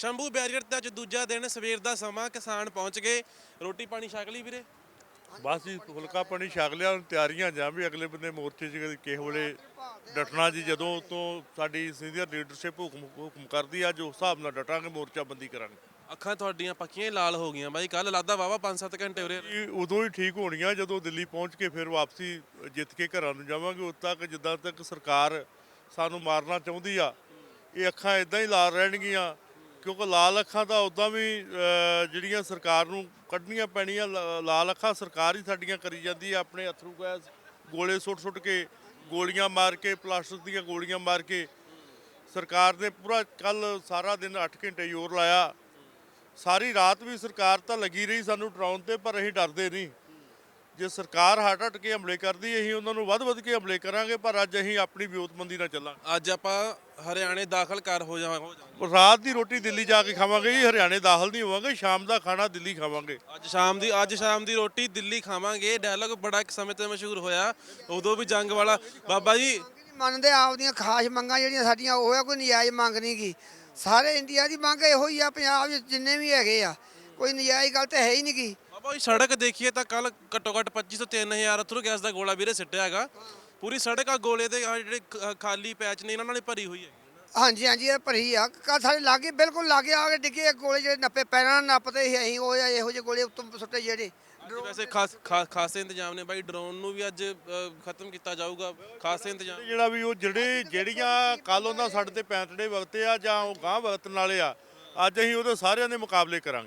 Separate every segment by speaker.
Speaker 1: Shambhu barrier ਤੇ ਅੱਜ ਦੂਜਾ ਦਿਨ ਸਵੇਰ ਦਾ ਸਮਾਂ ਕਿਸਾਨ ਪਹੁੰਚ ਗਏ। ਰੋਟੀ ਪਾਣੀ ਛਕ ਲਈ ਵੀਰੇ?
Speaker 2: ਬਸ ਜੀ ਫੁਲਕਾ ਪਾਣੀ ਛਕ ਲਿਆ। ਹੁਣ ਤਿਆਰੀਆਂ ਜਾਂ ਵੀ ਅਗਲੇ ਬੰਦੇ ਮੋਰਚੇ 'ਚ ਕਿਸੇ ਵੇਲੇ ਡਟਣਾ ਜੀ। ਜਦੋਂ ਤੋਂ ਸਾਡੀ ਸੀਨੀਅਰ ਲੀਡਰਸ਼ਿਪ ਹੁਕਮ ਕਰਦੀ ਆ, ਜੋ ਹਿਸਾਬ ਨਾਲ ਡਟਾਂਗੇ, ਮੋਰਚਾਬੰਦੀ ਕਰਾਂਗੇ।
Speaker 1: ਅੱਖਾਂ ਤੁਹਾਡੀਆਂ ਪੱਕੀਆਂ ਹੀ ਲਾਲ ਹੋ ਗਈਆਂ ਬਾਈ। ਕੱਲ ਲੱਗਦਾ ਵਾਵਾ 5-7 ਘੰਟੇ ਉਰੇ ਰਹੇ।
Speaker 2: ਇਹ ਉਦੋਂ ਹੀ ਠੀਕ ਹੋਣੀਆਂ ਜਦੋਂ ਦਿੱਲੀ ਪਹੁੰਚ ਕੇ ਫਿਰ ਵਾਪਸੀ ਜਿੱਤ ਕੇ ਘਰਾਂ ਨੂੰ ਜਾਵਾਂਗੇ। ਉਦੋਂ ਤੱਕ ਜਿੱਦਾਂ ਤੱਕ ਸਰਕਾਰ ਸਾਨੂੰ ਮਾਰਨਾ ਚਾਹੁੰਦੀ ਆ, ਇਹ ਅੱਖਾਂ ਇਦਾਂ ਹੀ ਲਾਲ ਰਹਿਣਗੀਆਂ। ਕਿਉਂਕਿ ਲਾਲ ਅੱਖਾਂ ਤਾਂ ਉਦਾਂ ਵੀ ਜਿਹੜੀਆਂ ਸਰਕਾਰ ਨੂੰ ਕੱਢਣੀਆਂ ਪੈਣੀਆਂ। ਲਾਲ ਅੱਖਾਂ ਸਰਕਾਰ ਹੀ ਸਾਡੀਆਂ ਕਰੀ ਜਾਂਦੀ ਆ, ਆਪਣੇ ਅਥਰੂ ਗੈਸ ਗੋਲੇ ਸੁੱਟ ਕੇ, ਗੋਲੀਆਂ ਮਾਰ ਕੇ, ਪਲਾਸਟਿਕ ਦੀਆਂ ਗੋਲੀਆਂ ਮਾਰ ਕੇ। ਸਰਕਾਰ ਨੇ ਪੂਰਾ ਕੱਲ ਸਾਰਾ ਦਿਨ 8 ਘੰਟੇ ਜ਼ੋਰ ਲਾਇਆ। ਸਾਰੀ ਰਾਤ ਵੀ ਸਰਕਾਰ ਤਾਂ ਲੱਗੀ ਰਹੀ ਸਾਨੂੰ ਡਰਾਉਣ ਤੇ, ਪਰ ਅਸੀਂ ਡਰਦੇ ਨਹੀਂ। ਜੇ ਸਰਕਾਰ ਹਟ ਕੇ ਹਮਲੇ ਕਰਦੀ, ਅਸੀਂ ਉਹਨਾਂ ਨੂੰ ਵੱਧ ਕੇ ਹਮਲੇ ਕਰਾਂਗੇ। ਪਰ ਅੱਜ ਅਸੀਂ ਆਪਣੀ ਵਿਉਂਤਬੰਦੀ ਨਾਲ ਚੱਲਾਂਗੇ।
Speaker 1: ਅੱਜ ਆਪਾਂ ਹਰਿਆਣੇ ਦਾਖਲ ਹੋ ਜਾਵਾਂਗੇ।
Speaker 2: ਰਾਤ ਦੀ ਰੋਟੀ ਦਿੱਲੀ ਜਾ ਕੇ ਖਾਵਾਂਗੇ ਜੀ, ਹਰਿਆਣੇ ਦਾਖਲ ਨਹੀਂ ਹੋਵਾਂਗੇ। ਸ਼ਾਮ ਦਾ ਖਾਣਾ ਦਿੱਲੀ ਖਾਵਾਂਗੇ।
Speaker 1: ਅੱਜ ਸ਼ਾਮ ਦੀ ਰੋਟੀ ਦਿੱਲੀ ਖਾਵਾਂਗੇ। ਡਾਇਲੌਗ ਬੜਾ ਇੱਕ ਸਮੇਂ ਤੇ ਮਸ਼ਹੂਰ ਹੋਇਆ, ਉਦੋਂ ਵੀ ਜੰਗ ਵਾਲਾ। ਬਾਬਾ ਜੀ
Speaker 3: ਮੰਨਦੇ ਆਪਦੀਆਂ ਖਾਸ ਮੰਗਾਂ ਜਿਹੜੀਆਂ ਸਾਡੀਆਂ ਉਹ ਆ, ਕੋਈ ਨਜਾਇਜ਼ ਮੰਗ ਨਹੀਂ ਗੀ। ਸਾਰੇ ਇੰਡੀਆ ਦੀ ਮੰਗ ਇਹੋ ਹੀ ਆ, ਪੰਜਾਬ ਵਿੱਚ ਜਿੰਨੇ ਵੀ ਹੈਗੇ ਆ, ਕੋਈ ਨਜਾਇਜ਼ ਗੱਲ ਤਾਂ ਹੈ ਹੀ ਨਹੀਂ ਗੀ।
Speaker 1: ਬਾਬਾ ਜੀ ਸੜਕ ਦੇਖੀਏ ਤਾਂ ਕੱਲ ਘੱਟੋ ਘੱਟ 25 ਤੋਂ 3000 ਅਥਰੂ ਗੈਸ ਦਾ ਗੋਲਾ ਵੀਰੇ ਸਿੱਟਿਆ ਹੈਗਾ। ਪੂਰੀ ਸੜਕ ਆ ਗੋਲੇ ਦੇ ਜਿਹੜੇ ਖਾਲੀ ਪੈਚ ਨੇ ਇਹਨਾਂ ਨਾਲ ਹੀ ਭਰੀ ਹੋਈ ਹੈ।
Speaker 3: ਹਾਂਜੀ ਹਾਂਜੀ, ਇਹ ਭਰੀ ਆ। ਕੱਲ੍ਹ ਸਾਡੇ ਲਾਗੇ ਬਿਲਕੁਲ ਲਾਗੇ ਆ ਕੇ ਡਿੱਗੇ ਗੋਲੇ, ਜਿਹੜੇ ਨੱਪੇ ਪੈਰਾਂ ਨਾਲ ਨੱਪਦੇ ਸੀ ਅਸੀਂ, ਉਹ ਇਹੋ ਜਿਹੇ ਗੋਲੇ ਉੱਤੋਂ ਸੁੱਟੇ ਜਿਹੜੇ।
Speaker 1: ਵੈਸੇ ਖਾਸੇ ਇੰਤਜ਼ਾਮ ਨੇ ਬਾਈ। ਡਰੋਨ ਨੂੰ ਵੀ ਅੱਜ ਖਤਮ ਕੀਤਾ ਜਾਊਗਾ। ਖਾਸੇ ਇੰਤਜ਼ਾਮ
Speaker 2: ਜਿਹੜਾ ਵੀ ਉਹ ਜਿਹੜੀਆਂ ਕੱਲ ਉਹਨਾਂ ਸਾਡੇ ਤੇ ਪੈਂਤੜੇ ਵਕਤੇ ਆ ਜਾਂ ਉਹ ਗਾਂਹ ਵਕਤਣ ਵਾਲੇ ਆ, ਅੱਜ ਅਸੀਂ ਉਹਦੇ ਸਾਰਿਆਂ ਦੇ ਮੁਕਾਬਲੇ ਕਰਾਂਗੇ।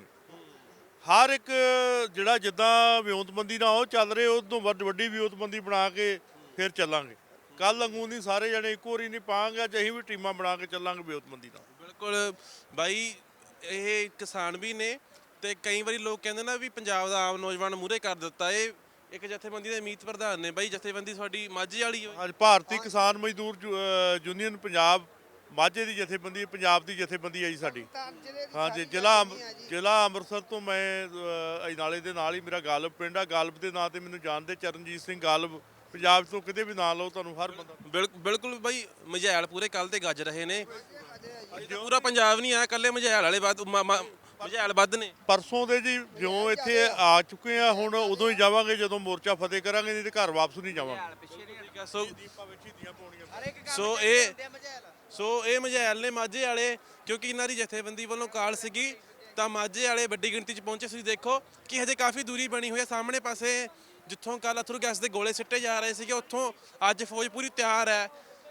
Speaker 2: ਹਰ ਇੱਕ ਜਿਹੜਾ ਜਿੱਦਾਂ ਵਿਉਂਤਬੰਦੀ ਨਾਲ ਉਹ ਚੱਲ ਰਹੇ, ਉਹ ਤੋਂ ਵੱਡੀ ਵਿਉਂਤਬੰਦੀ ਬਣਾ ਕੇ ਫਿਰ ਚੱਲਾਂਗੇ। ਕੱਲ ਵਾਂਗੂ ਨਹੀਂ ਸਾਰੇ ਜਣੇ ਇੱਕੋ ਵਾਰੀ ਨਹੀਂ ਪਾਵਾਂਗੇ। ਅੱਜ ਅਸੀਂ ਵੀ ਟੀਮਾਂ ਬਣਾ ਕੇ ਚੱਲਾਂਗੇ ਵਿਉਂਤਬੰਦੀ ਨਾਲ।
Speaker 1: ਬਿਲਕੁਲ ਬਾਈ, ਇਹ ਕਿਸਾਨ ਵੀ ਨੇ ਤੇ ਕਈ ਵਾਰੀ ਲੋਕ ਕਹਿੰਦੇ ਨਾ ਵੀ ਪੰਜਾਬ ਦਾ ਆਮ ਨੌਜਵਾਨ ਮੂਹਰੇ ਕਰ ਦਿੱਤਾ। ਇਹ ਇੱਕ ਜਥੇਬੰਦੀ ਦੇ ਮੀਤ ਪ੍ਰਧਾਨ ਨੇ ਬਾਈ। ਜਥੇਬੰਦੀ ਤੁਹਾਡੀ ਮਾਝੇ ਵਾਲੀ ਹੋਈ?
Speaker 2: ਅੱਜ ਭਾਰਤੀ ਕਿਸਾਨ ਮਜ਼ਦੂਰ ਯੂਨੀਅਨ ਪੰਜਾਬ ਮਾਝੇ ਦੀ ਜਥੇਬੰਦੀ, ਪੰਜਾਬ ਦੀ ਜਥੇਬੰਦੀ ਹੈ ਜੀ ਸਾਡੀ। ਹਾਂਜੀ, ਜ਼ਿਲ੍ਹਾ ਅੰਮ੍ਰਿਤਸਰ ਤੋਂ ਮੈਂ ਅਜਨਾਲੇ ਦੇ ਨਾਲ ਹੀ ਮੇਰਾ ਗਾਲਬ ਪਿੰਡ ਆ। ਗਾਲਬ ਦੇ ਨਾਂ ਤੇ ਮੈਨੂੰ ਜਾਣਦੇ, ਚਰਨਜੀਤ ਸਿੰਘ ਗਾਲਬ। ਪੰਜਾਬ ਤੋਂ ਕਿਤੇ ਵੀ ਨਾਂ ਲਓ ਤੁਹਾਨੂੰ ਹਰ ਬੰਦਾ।
Speaker 1: ਬਿਲਕੁਲ ਬਾਈ, ਮਝੈਲ ਪੂਰੇ ਕੱਲ ਤੇ ਗੱਜ ਰਹੇ ਨੇ। ਪੂਰਾ ਪੰਜਾਬ ਨਹੀਂ ਆਇਆ, ਕੱਲੇ ਮਝੈਲ ਵਾਲੇ ਮਝੈਲ ਵੱਧ ਨੇ।
Speaker 2: ਪਰਸੋਂ ਦੇ ਜੀ ਜਿਉਂ ਇੱਥੇ ਆ ਚੁੱਕੇ ਆ, ਹੁਣ ਉਦੋਂ ਹੀ ਜਾਵਾਂਗੇ ਜਦੋਂ ਮੋਰਚਾ ਫਤਿਹ ਕਰਾਂਗੇ, ਨਹੀਂ ਤੇ ਘਰ ਵਾਪਸ ਨਹੀਂ ਜਾਵਾਂਗੇ।
Speaker 1: ਸੋ ਇਹ ਮਝੈਲ ਨੇ ਮਾਝੇ ਵਾਲੇ, ਕਿਉਂਕਿ ਇਹਨਾਂ ਦੀ ਜਥੇਬੰਦੀ ਵੱਲੋਂ ਕਾਲ ਸੀਗੀ ਤਾਂ ਮਾਝੇ ਵਾਲੇ ਵੱਡੀ ਗਿਣਤੀ 'ਚ ਪਹੁੰਚੇ। ਤੁਸੀਂ ਦੇਖੋ ਕਿ ਹਜੇ ਕਾਫੀ ਦੂਰੀ ਬਣੀ ਹੋਈ ਹੈ। ਸਾਹਮਣੇ ਪਾਸੇ ਜਿੱਥੋਂ ਕੱਲ ਅਥਰੂ ਗੈਸ ਦੇ ਗੋਲੇ ਸਿੱਟੇ ਜਾ ਰਹੇ ਸੀਗੇ, ਉੱਥੋਂ ਅੱਜ ਫੌਜ ਪੂਰੀ ਤਿਆਰ ਹੈ।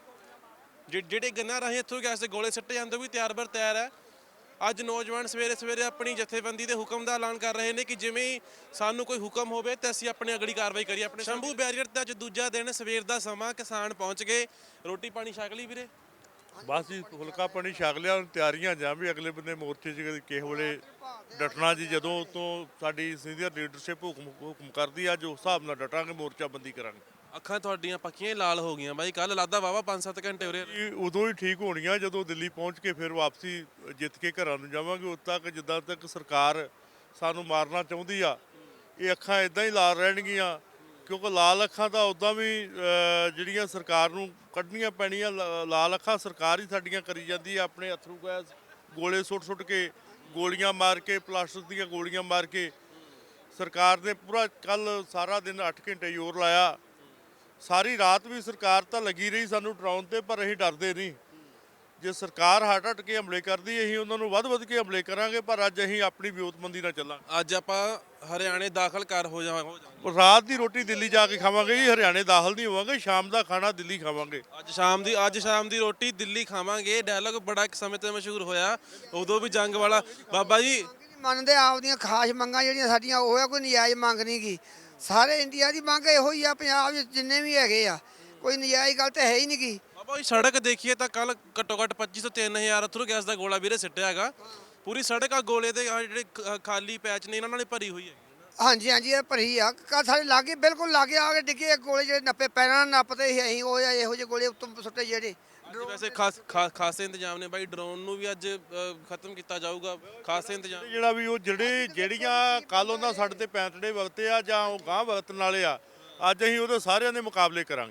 Speaker 1: ਜਿਹੜੇ ਗੰਨਾਂ ਰਾਹੀਂ ਅਥਰੂ ਗੈਸ ਦੇ ਗੋਲੇ ਸਿੱਟੇ ਜਾਂਦੇ ਉਹ ਵੀ ਤਿਆਰ ਹੈ। ਅੱਜ ਨੌਜਵਾਨ ਸਵੇਰੇ ਆਪਣੀ ਜਥੇਬੰਦੀ ਦੇ ਹੁਕਮ ਦਾ ਐਲਾਨ ਕਰ ਰਹੇ ਨੇ ਕਿ ਜਿਵੇਂ ਹੀ ਸਾਨੂੰ ਕੋਈ ਹੁਕਮ ਹੋਵੇ ਤਾਂ ਅਸੀਂ ਆਪਣੀ ਅਗਲੀ ਕਾਰਵਾਈ ਕਰੀਏ। ਆਪਣੇ ਸ਼ੰਭੂ ਬੈਰੀਅਰ ਤੇ ਅੱਜ ਦੂਜਾ ਦਿਨ ਸਵੇਰ ਦਾ ਸਮਾਂ ਕਿਸਾਨ ਪਹੁੰਚ ਗਏ। ਰੋਟੀ ਪਾਣੀ ਛਕ ਲਈ ਵੀਰੇ?
Speaker 2: ਬਸ ਜੀ ਫੁਲਕਾ ਪਾਣੀ ਛਕ ਲਿਆ। ਹੁਣ ਤਿਆਰੀਆਂ ਜਾਂ ਵੀ ਅਗਲੇ ਬੰਦੇ ਮੋਰਚੇ 'ਚ ਕਿਸੇ ਵੇਲੇ ਡਟਣਾ ਜੀ। ਜਦੋਂ ਤੋਂ ਸਾਡੀ ਸੀਨੀਅਰ ਲੀਡਰਸ਼ਿਪ ਹੁਕਮ ਕਰਦੀ ਆ, ਜੋ ਹਿਸਾਬ ਨਾਲ ਡਟਾਂਗੇ, ਮੋਰਚਾਬੰਦੀ ਕਰਾਂਗੇ।
Speaker 1: ਅੱਖਾਂ ਤੁਹਾਡੀਆਂ ਪੱਕੀਆਂ ਹੀ ਲਾਲ ਹੋ ਗਈਆਂ ਬਾਈ। ਕੱਲ ਲੱਗਦਾ ਵਾਵਾ 5-7 ਘੰਟੇ ਉਰੇ ਰਹੇ।
Speaker 2: ਇਹ ਉਦੋਂ ਹੀ ਠੀਕ ਹੋਣੀਆਂ ਜਦੋਂ ਦਿੱਲੀ ਪਹੁੰਚ ਕੇ ਫਿਰ ਵਾਪਸੀ ਜਿੱਤ ਕੇ ਘਰਾਂ ਨੂੰ ਜਾਵਾਂਗੇ। ਉਦੋਂ ਤੱਕ ਜਿੱਦਾਂ ਤੱਕ ਸਰਕਾਰ ਸਾਨੂੰ ਮਾਰਨਾ ਚਾਹੁੰਦੀ ਆ, ਇਹ ਅੱਖਾਂ ਇਦਾਂ ਹੀ ਲਾਲ ਰਹਿਣਗੀਆਂ। ਕਿਉਂਕਿ ਲਾਲ ਅੱਖਾਂ ਤਾਂ ਉਦਾਂ ਵੀ ਜਿਹੜੀਆਂ ਸਰਕਾਰ ਨੂੰ ਕੱਢਣੀਆਂ ਪੈਣੀਆਂ। ਲਾਲ ਅੱਖਾਂ ਸਰਕਾਰ ਹੀ ਸਾਡੀਆਂ ਕਰੀ ਜਾਂਦੀ ਆ, ਆਪਣੇ ਅਥਰੂ ਗੈਸ ਗੋਲੇ ਸੁੱਟ ਕੇ, ਗੋਲੀਆਂ ਮਾਰ ਕੇ, ਪਲਾਸਟਿਕ ਦੀਆਂ ਗੋਲੀਆਂ ਮਾਰ ਕੇ। ਸਰਕਾਰ ਨੇ ਪੂਰਾ ਕੱਲ ਸਾਰਾ ਦਿਨ 8 ਘੰਟੇ ਜ਼ੋਰ ਲਾਇਆ। ਸਾਰੀ ਰਾਤ ਵੀ ਸਰਕਾਰ ਤਾਂ ਲੱਗੀ ਰਹੀ ਸਾਨੂੰ ਡਰਾਉਣ ਤੇ, ਪਰ ਅਸੀਂ ਡਰਦੇ ਨਹੀਂ। ਜੇ ਸਰਕਾਰ ਹਟ ਕੇ ਹਮਲੇ ਕਰਦੀ, ਅਸੀਂ ਉਹਨਾਂ ਨੂੰ ਵੱਧ ਕੇ ਹਮਲੇ ਕਰਾਂਗੇ। ਪਰ ਅੱਜ ਅਸੀਂ ਆਪਣੀ ਵਿਉਂਤਬੰਦੀ ਨਾਲ ਚੱਲਾਂਗੇ।
Speaker 1: ਅੱਜ ਆਪਾਂ ਹਰਿਆਣੇ ਦਾਖਲ ਹੋ ਜਾਵਾਂਗੇ।
Speaker 2: ਰਾਤ ਦੀ ਰੋਟੀ ਦਿੱਲੀ ਜਾ ਕੇ ਖਾਵਾਂਗੇ ਜੀ, ਹਰਿਆਣੇ ਦਾਖਲ ਨਹੀਂ ਹੋਵਾਂਗੇ। ਸ਼ਾਮ ਦਾ ਖਾਣਾ ਦਿੱਲੀ ਖਾਵਾਂਗੇ।
Speaker 1: ਅੱਜ ਸ਼ਾਮ ਦੀ ਰੋਟੀ ਦਿੱਲੀ ਖਾਵਾਂਗੇ। ਡਾਇਲੌਗ ਬੜਾ ਇੱਕ ਸਮੇਂ ਤੇ ਮਸ਼ਹੂਰ ਹੋਇਆ, ਉਦੋਂ ਵੀ ਜੰਗ ਵਾਲਾ। ਬਾਬਾ ਜੀ
Speaker 3: ਮੰਨਦੇ ਆਪਦੀਆਂ ਖਾਸ ਮੰਗਾਂ ਜਿਹੜੀਆਂ ਸਾਡੀਆਂ ਉਹ ਆ, ਕੋਈ ਨਜਾਇਜ਼ ਮੰਗ ਨਹੀਂ ਗੀ। ਸਾਰੇ ਇੰਡੀਆ ਦੀ ਮੰਗ ਇਹੋ ਹੀ ਆ, ਪੰਜਾਬ ਵਿੱਚ ਜਿੰਨੇ ਵੀ ਹੈਗੇ ਆ, ਕੋਈ ਨਜਾਇਜ਼ ਗੱਲ ਤਾਂ ਹੈ ਹੀ ਨਹੀਂ ਗੀ।
Speaker 1: ਬਾਬਾ ਜੀ ਸੜਕ ਦੇਖੀਏ ਤਾਂ ਕੱਲ ਘੱਟੋ ਘੱਟ 25 ਤੋਂ 3000 ਅਥਰੂ ਗੈਸ ਦਾ ਗੋਲਾ ਵੀਰੇ ਸਿੱਟਿਆ ਹੈਗਾ। ਪੂਰੀ ਸੜਕ ਆ ਗੋਲੇ ਦੇ ਜਿਹੜੇ ਖਾਲੀ ਪੈਚ ਨੇ ਇਹਨਾਂ ਨਾਲ ਹੀ ਭਰੀ ਹੋਈ ਹੈ।
Speaker 3: ਹਾਂਜੀ ਹਾਂਜੀ, ਇਹ ਭਰੀ ਆ। ਕੱਲ੍ਹ ਸਾਡੇ ਲਾਗੇ ਬਿਲਕੁਲ ਲਾਗੇ ਆ ਕੇ ਡਿੱਗੇ ਗੋਲੇ, ਜਿਹੜੇ ਨੱਪੇ ਪੈਰਾਂ ਨਾਲ ਨੱਪਦੇ ਸੀ ਅਸੀਂ, ਉਹ ਇਹੋ ਜਿਹੇ ਗੋਲੇ ਉੱਤੋਂ ਸੁੱਟੇ ਜਿਹੜੇ।
Speaker 1: ਵੈਸੇ ਖਾਸੇ ਇੰਤਜ਼ਾਮ ਨੇ ਬਾਈ। ਡਰੋਨ ਨੂੰ ਵੀ ਅੱਜ ਖਤਮ ਕੀਤਾ ਜਾਊਗਾ। ਖਾਸੇ ਇੰਤਜ਼ਾਮ
Speaker 2: ਜਿਹੜਾ ਵੀ ਉਹ ਜਿਹੜੀਆਂ ਕੱਲ ਉਹਨਾਂ ਸਾਡੇ ਤੇ ਪੈਂਤੜੇ ਵਕਤੇ ਆ ਜਾਂ ਉਹ ਗਾਂਹ ਵਕਤਣ ਵਾਲੇ ਆ, ਅੱਜ ਅਸੀਂ ਉਹਦੇ ਸਾਰਿਆਂ ਦੇ ਮੁਕਾਬਲੇ ਕਰਾਂਗੇ।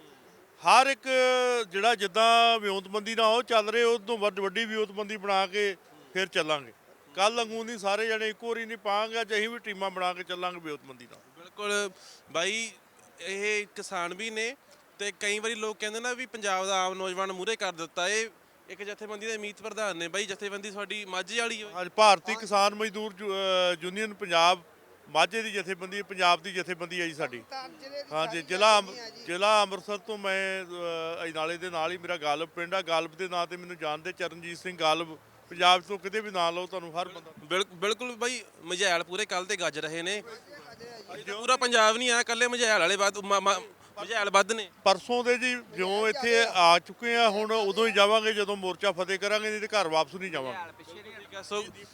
Speaker 2: ਹਰ ਇੱਕ ਜਿਹੜਾ ਜਿੱਦਾਂ ਵਿਉਂਤਬੰਦੀ ਨਾਲ ਉਹ ਚੱਲ ਰਹੇ, ਉਹ ਤੋਂ ਵੱਡੀ ਵਿਉਂਤਬੰਦੀ ਬਣਾ ਕੇ ਫਿਰ ਚੱਲਾਂਗੇ। ਕੱਲ ਵਾਂਗੂ ਨਹੀਂ ਸਾਰੇ ਜਣੇ ਇੱਕੋ ਵਾਰੀ ਨਹੀਂ ਪਾਵਾਂਗੇ, ਅੱਜ ਅਸੀਂ ਵੀ ਟੀਮਾਂ ਬਣਾ ਕੇ ਚੱਲਾਂਗੇ ਬੇਅਦਬੀ ਨਾਲ।
Speaker 1: ਬਿਲਕੁਲ ਬਾਈ, ਇਹ ਕਿਸਾਨ ਵੀ ਨੇ ਤੇ ਕਈ ਵਾਰੀ ਲੋਕ ਕਹਿੰਦੇ ਨਾ ਵੀ ਪੰਜਾਬ ਦਾ ਆਮ ਨੌਜਵਾਨ ਮੂਹਰੇ ਕਰ ਦਿੱਤਾ। ਇਹ ਇੱਕ ਜਥੇਬੰਦੀ ਦੇ ਮੀਤ ਪ੍ਰਧਾਨ ਨੇ ਬਾਈ, ਜਥੇਬੰਦੀ ਤੁਹਾਡੀ ਮਾਝੇ ਵਾਲੀ ਹੋਈ।
Speaker 2: ਅੱਜ ਭਾਰਤੀ ਕਿਸਾਨ ਮਜ਼ਦੂਰ ਯੂਨੀਅਨ ਪੰਜਾਬ ਮਾਝੇ ਦੀ ਜਥੇਬੰਦੀ, ਪੰਜਾਬ ਦੀ ਜਥੇਬੰਦੀ ਹੈ ਜੀ ਸਾਡੀ। ਹਾਂਜੀ, ਜ਼ਿਲ੍ਹਾ ਅੰਮ੍ਰਿਤਸਰ ਤੋਂ ਮੈਂ ਅਜਨਾਲੇ ਦੇ ਨਾਲ ਹੀ ਮੇਰਾ ਗਾਲਬ ਪਿੰਡ ਆ। ਗਾਲਬ ਦੇ ਨਾਂ ਤੇ ਮੈਨੂੰ ਜਾਣਦੇ ਚਰਨਜੀਤ ਸਿੰਘ ਗਾਲਬ। ਪੰਜਾਬ ਤੋਂ ਕਿਤੇ ਵੀ ਨਾਂ ਲਓ ਤੁਹਾਨੂੰ ਹਰ ਬੰਦਾ।
Speaker 1: ਬਿਲਕੁਲ ਬਾਈ, ਮਝੈਲ ਪੂਰੇ ਕੱਲ ਤੇ ਗੱਜ ਰਹੇ ਨੇ। ਪੂਰਾ ਪੰਜਾਬ ਨਹੀਂ ਆ, ਕੱਲੇ ਮਝੈਲ ਵਾਲੇ ਮਝੈਲ ਵੱਧ ਨੇ।
Speaker 2: ਪਰਸੋਂ ਦੇ ਜੀ ਜਿਉਂ ਇੱਥੇ ਆ ਚੁੱਕੇ ਆ, ਹੁਣ ਉਦੋਂ ਹੀ ਜਾਵਾਂਗੇ ਜਦੋਂ ਮੋਰਚਾ ਫਤਿਹ ਕਰਾਂਗੇ, ਨਹੀਂ ਤੇ ਘਰ ਵਾਪਸ ਨਹੀਂ ਜਾਵਾਂਗੇ।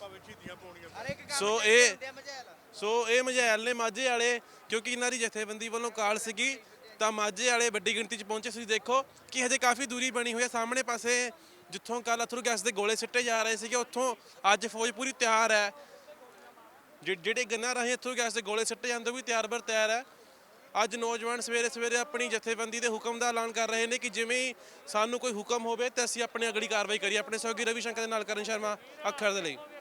Speaker 1: ਸੋ ਇਹ ਮਝੈਲ ਨੇ ਮਾਝੇ ਵਾਲੇ, ਕਿਉਂਕਿ ਇਹਨਾਂ ਦੀ ਜਥੇਬੰਦੀ ਵੱਲੋਂ ਕਾਲ ਸੀਗੀ ਤਾਂ ਮਾਝੇ ਵਾਲੇ ਵੱਡੀ ਗਿਣਤੀ 'ਚ ਪਹੁੰਚੇ। ਤੁਸੀਂ ਦੇਖੋ ਕਿ ਹਜੇ ਕਾਫੀ ਦੂਰੀ ਬਣੀ ਹੋਈ ਹੈ। ਸਾਹਮਣੇ ਪਾਸੇ ਜਿੱਥੋਂ ਕੱਲ ਅਥਰੂ ਗੈਸ ਦੇ ਗੋਲੇ ਸਿੱਟੇ ਜਾ ਰਹੇ ਸੀਗੇ, ਉੱਥੋਂ ਅੱਜ ਫੌਜ ਪੂਰੀ ਤਿਆਰ ਹੈ। ਜਿਹੜੇ ਗੰਨਾਂ ਰਾਹੀਂ ਅਥਰੂ ਗੈਸ ਦੇ ਗੋਲੇ ਸਿੱਟੇ ਜਾਂਦੇ ਉਹ ਵੀ ਤਿਆਰ ਹੈ। ਅੱਜ ਨੌਜਵਾਨ ਸਵੇਰੇ ਸਵੇਰੇ ਆਪਣੀ ਜਥੇਬੰਦੀ ਦੇ ਹੁਕਮ ਦਾ ਐਲਾਨ ਕਰ ਰਹੇ ਨੇ ਕਿ ਜਿਵੇਂ ਹੀ ਸਾਨੂੰ ਕੋਈ ਹੁਕਮ ਹੋਵੇ ਤਾਂ ਅਸੀਂ ਆਪਣੀ ਅਗਲੀ ਕਾਰਵਾਈ ਕਰੀਏ। ਆਪਣੇ ਸਹਿਯੋਗੀ ਰਵੀ ਸ਼ੰਕਰ ਦੇ ਨਾਲ ਕਰਨ ਸ਼ਰਮਾ, ਅੱਖਰ ਦੇ ਲਈ।